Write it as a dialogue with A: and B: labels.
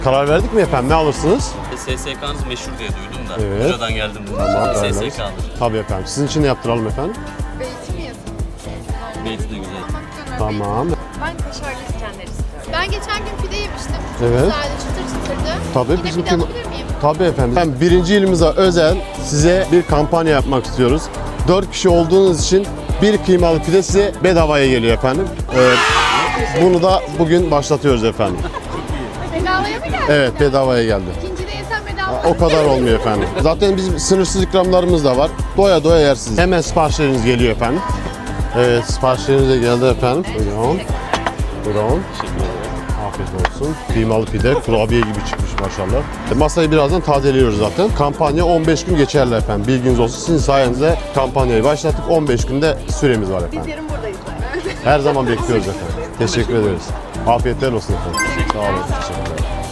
A: Karar verdik mi efendim? Ne alırsınız?
B: SSK'nız meşhur diye duydum da.
A: Evet.
B: Buradan geldim.
A: Tamam,
B: SSK alır.
A: Tabii efendim. Sizin için ne yaptıralım efendim?
C: Beyti mi yazın?
B: Beyti de güzel.
A: Tamam.
C: Ben kaşarlı İskender istiyorum. Ben geçen gün pide yemiştim.
A: Evet.
C: Güzeldi, çıtır çıtırdı.
A: Tabii
C: Yine
A: bizim
C: pide alabilir miyim?
A: Tabii efendim. Ben 1. yılımıza özel size bir kampanya yapmak istiyoruz. 4 kişi olduğunuz için bir kıymalı pide size bedavaya geliyor efendim. Bunu da bugün başlatıyoruz efendim.
C: Bedavaya mı geldi?
A: Evet, bedavaya geldi.
C: İkinci de yesem bedava.
A: O kadar olmuyor efendim. Zaten bizim sınırsız ikramlarımız da var. Doya doya yersiniz. Hemen siparişleriniz geliyor efendim. Evet, siparişleriniz de geldi efendim. Buyurun. Buyurun. Afiyet olsun. Kıymalı pide, kurabiye gibi çıkmış maşallah. Masayı birazdan tazeliyoruz zaten. Kampanya 15 gün geçerli efendim. Bilginiz olsun. Sizin sayenizde kampanyayı başlattık. 15 günde süremiz var efendim.
C: Yarın buradayız.
A: Her zaman bekliyoruz efendim. Teşekkür ederiz. Afiyetler olsun efendim. Sağ olun. Teşekkürler.